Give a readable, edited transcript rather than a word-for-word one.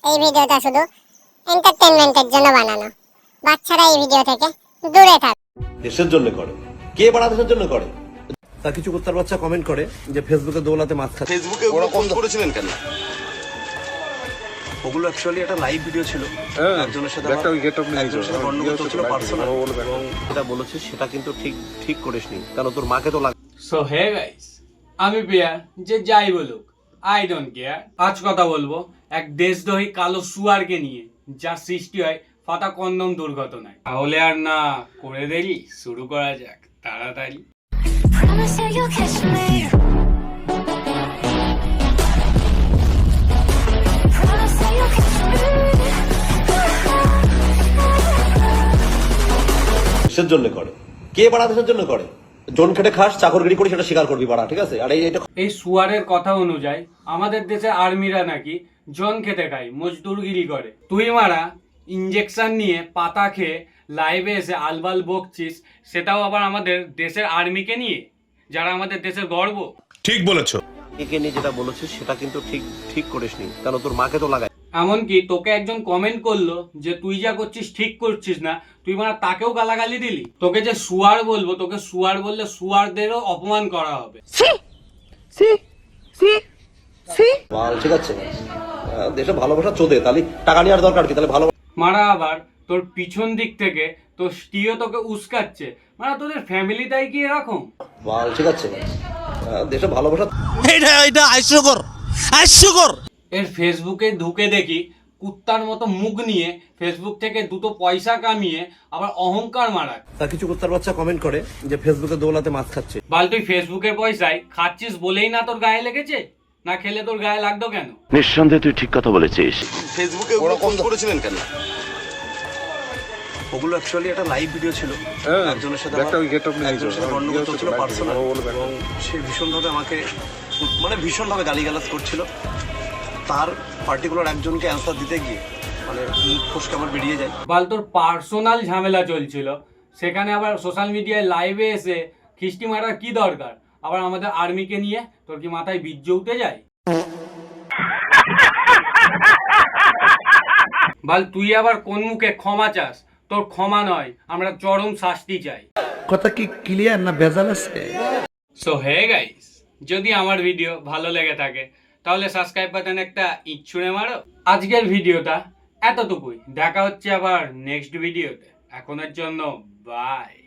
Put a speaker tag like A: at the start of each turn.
A: এই ভিডিওটা শুধু এন্টারটেইনমেন্টের জন্য বানানো। বাচ্চারা এই ভিডিও থেকে দূরে থাক।
B: দেশের জন্য করে, কে বাড়া দেশের জন্য করে? তা কিছু কুত্তার বাচ্চা কমেন্ট করে যে ফেসবুকে দৌলাতে মাছ খাচ্ছে।
C: ফেসবুকে ওরা কম করেছিলেন কেন? ওগুলো অ্যাকচুয়ালি একটা লাইভ ভিডিও ছিল, একজনের সাথে গন্ডগোল চলছিল পার্সোনাল,
B: এবং যেটা বলেছিস সেটা কিন্তু ঠিক করিসনি, কারণ তোর মাকে তো লাগে।
D: সো হে গাইস, আমি প্রিয়া, যে যাই বলুক আই ডোন্ট কেয়ার। আজ কথা বলবো এক দেশদ্রোহী কালো শুয়ারকে নিয়ে, যার সৃষ্টি হয় ফাটা কন্দম দুর্ঘটনায়। তাহলে আর না করে দেরি, শুরু করা যাক তাড়াতাড়ি।
E: Promise that you'll catch me. Promise that you'll catch me.
B: দেশের জন্য করে, কে বাড়া দেশের জন্য করে? জন খেটে খাস, চাকরগিরি করি, সেটা স্বীকার করবি বাড়া, ঠিক আছে? আর
D: এই শুয়ারের কথা অনুযায়ী আমাদের দেশে আর্মিরা নাকি জন খেতে খায়, মজদুরগিরি করে। তুই মারা ইঞ্জেকশন নিয়ে পাতা খেয়ে লাইভে এসে আলবাল বকছিস, সেটাও আবার আমাদের দেশের আর্মিকে নিয়ে, যারা আমাদের দেশের গর্ব।
F: ঠিক বলেছো।
B: একে নিয়ে যেটা বলেছিস সেটা কিন্তু ঠিক করিসনি, কারণ তোর মাকে তো লাগায়।
D: এমনকি তোকে একজন কমেন্ট করলো যে তুই যা করছিস ঠিক করছিস না, তুই মানে তাকেও গালাগালি দিলি। তোকে যে শুয়ার বলবো, তোকে শুয়ার বললে শুয়ারদেরও অপমান করা হবে।
B: ঠিক আছে, দেশে ভালোবাসা চোদে, তাহলে টাকা নেওয়ার দরকার কি? তাহলে ভালো
D: মারা আবার তোর পিছন দিক থেকে তোর স্ত্রীও তোকে উস্কাচ্ছে, মানে তোদের ফ্যামিলিটাই কি এরকম?
B: ঠিক আছে, দেশে ভালোবাসা।
F: এটা হাস্যকর।
D: এর ফেসবুকে ঢুকে দেখি কুত্তার মতো মুখ নিয়ে ফেসবুক থেকে দুটো পয়সা কামিয়ে আবার অহংকার মারায়।
B: তা কিছু কুত্তার বাচ্চা কমেন্ট করে যে ফেসবুকে দৌলাতে মাছ খাচ্ছে।
D: বাল তুই ফেসবুকের পয়সায় খাচ্ছিস বলেই না তোর গায়ে লেগেছে, না খেলে তোর গায়ে লাগতো কেন?
G: নিঃসন্দেহে তুই ঠিক কথা বলেছিস।
C: ফেসবুকে ওরা কম করেছিলেন কেন? ওগুলো অ্যাকচুয়ালি একটা লাইভ ভিডিও ছিল, একজনের সাথে গন্ডগোল চলছিল পার্সোনাল, এবং সে ভীষণভাবে আমাকে ভীষণভাবে গালিগালাজ করছিল। তার পার্টিকুলার একজনকে অ্যান্সার দিতে গিয়ে মুখ ফসকে আমার বেরিয়ে যায়।
D: বাল তোর পার্সোনাল ঝামেলা চলছিল, সেখানে আবার সোশ্যাল মিডিয়ায় লাইভে এসে খিস্টি মারার কি দরকার? আবার আমাদের আর্মিকে নিয়ে তোর কি মাথায় বীর্য উঠে যায়? বাল তুই আবার কোন মুখে ক্ষমা চাস? তোর ক্ষমা নয়, আমরা চরম শাস্তি চাই।
H: কথা কি ক্লিয়ার না ভেজাল আছে?
D: সো হে গাইস, যদি আমার ভিডিও ভালো লেগে থাকে তাহলে সাবস্ক্রাইব বাটন একটা ইট ছুঁড়ে মারো। আজকের ভিডিওটা এতটুকুই, দেখা হচ্ছে আবার নেক্সট ভিডিওতে। এখনের জন্য বাই।